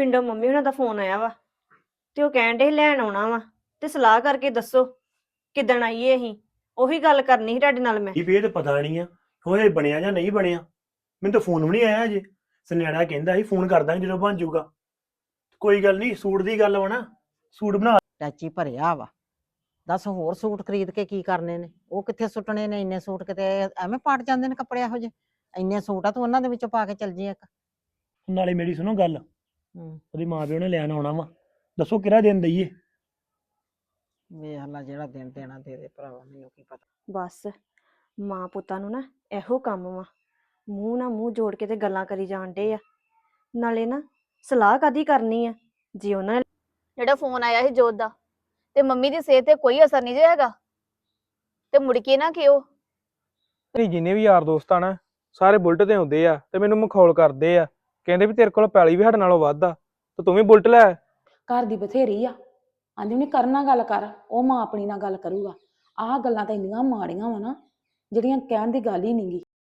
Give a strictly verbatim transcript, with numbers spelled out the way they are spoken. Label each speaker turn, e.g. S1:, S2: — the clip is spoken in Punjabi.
S1: ਪਿੰਡੋਂ ਮੰਮੀ ਉਹਨਾਂ ਦਾ ਫੋਨ ਆਇਆ ਵਾ ਤੇ ਉਹ ਕਹਿਣ ਡੇ ਲੈਣ ਆਉਣਾ ਵਾ ਤੇ ਸਲਾਹ ਕਰਕੇ ਦੱਸੋ ਕਿੱਦਣ ਆਈਏ ਅਸੀਂ। ਉਹੀ ਗੱਲ ਕਰਨੀ ਸੀ ਤੁਹਾਡੇ ਨਾਲ ਮੈਂ।
S2: ਇਹ ਵੀ ਇਹ ਤਾਂ ਪਤਾ ਨਹੀਂ ਆ ਹੋਏ ਬਣਿਆ ਜਾਂ ਨਹੀਂ ਬਣਿਆ। ਮੈਨੂੰ ਤਾਂ ਫੋਨ ਵੀ ਨਹੀਂ ਆਇਆ ਅਜੇ। ਸੁਨਿਆੜਾ ਕਹਿੰਦਾ ਸੀ ਫੋਨ ਕਰ ਦਾਂਗੇ ਜਦੋਂ ਬਣ ਜਾਊਗਾ। ਕੋਈ ਗੱਲ ਨਹੀਂ, ਸੂਟ ਦੀ ਗੱਲ ਵਾ ਨਾ, ਸੂਟ ਬਣਾ।
S3: ਟੈਚੀ ਭਰਿਆ ਵਾ। ਦੱਸ ਹੋਰ ਸੂਟ ਖਰੀਦ ਕੇ ਕੀ ਕਰਨੇ ਨੇ? ਉਹ ਕਿੱਥੇ ਸੁੱਟਣੇ ਨੇ ਇੰਨੇ ਸੂਟ? ਕਿਤੇ ਐਵੇਂ ਪਾਟ ਜਾਂਦੇ ਨੇ ਕੱਪੜੇ ਇਹੋ ਜਿਹੇ। ਇੰਨੇ ਸੂਟ ਆ ਤੂੰ ਉਹਨਾਂ ਦੇ ਵਿੱਚੋਂ ਪਾ ਕੇ ਚੱਲ ਜੀ ਇੱਕ।
S2: ਨਾਲੇ ਮੇਰੀ ਸੁਣੋ ਗੱਲ,
S3: ਹੂੰ
S2: ਉਹਦੀ ਮਾਂ ਪਿਓ ਨੇ ਲੈਣ ਆਉਣਾ ਵਾ, ਦੱਸੋ ਕਿਹੜਾ ਦਿਨ ਦਈਏ?
S3: ਵੇਖ ਲਾ ਜਿਹੜਾ ਦਿਨ ਦੇਣਾ ਦੇ ਦੇ ਭਰਾਵਾ, ਮੈਨੂੰ ਕੀ ਪਤਾ।
S1: ਬਸ ਮਾਂ ਪੁੱਤਾਂ ਨੂੰ ਨਾ ਇਹੋ ਕੰਮ ਵਾ, ਮੂੰਹ ਨਾਲ ਮੂੰਹ ਜੋੜ ਕੇ ਤੇ ਗੱਲਾਂ ਕਰੀ ਜਾਣ ਡੇ ਆ। ਨਾਲੇ ਨਾ ਸਲਾਹ ਕਾਦੀ ਕਰਨੀ ਆ ਜੀ ਉਹਨਾਂ ਨੇ।
S4: ਜਿਹੜਾ ਫੋਨ ਆਇਆ ਸੀ ਜੋਤ ਦਾ, ਤੇ ਮੰਮੀ ਦੀ ਸਿਹਤ ਤੇ ਕੋਈ ਅਸਰ ਨਹੀਂ ਜੇ ਹੈਗਾ, ਤੇ ਮੁੜ ਕੇ ਨਾ ਕਿਉ।
S5: ਨਹੀਂ ਜਿੰਨੇ ਵੀ ਯਾਰ ਦੋਸਤ ਆ ਨਾ ਸਾਰੇ ਬੁਲਟ ਤੇ ਹੁੰਦੇ ਆ ਤੇ ਮੈਨੂੰ ਮਖੌਲ ਕਰਦੇ ਆ, ਕਹਿੰਦੇ ਵੀ ਤੇਰੇ ਕੋਲ ਪੈਲੀ ਵੀ ਸਾਡੇ ਨਾਲੋਂ ਵੱਧ ਆ ਤੇ ਤੂੰ ਵੀ ਬੁਲਟ ਲੈ।
S6: ਘਰ ਦੀ ਬਥੇਰੀ ਆ, ਆਂਦੀ ਨਹੀਂ ਕਰਨਾ ਗੱਲ ਕਰ, ਉਹ ਮਾਂ ਆਪਣੀ ਨਾਲ ਗੱਲ ਕਰੂਗਾ। ਆਹ ਗੱਲਾਂ ਤਾਂ ਇੰਨੀਆਂ ਮਾੜੀਆਂ ਵਾ ਨਾ ਜਿਹੜੀਆਂ ਕਹਿਣ ਦੀ ਗੱਲ ਹੀ ਨਹੀਂਗੀ।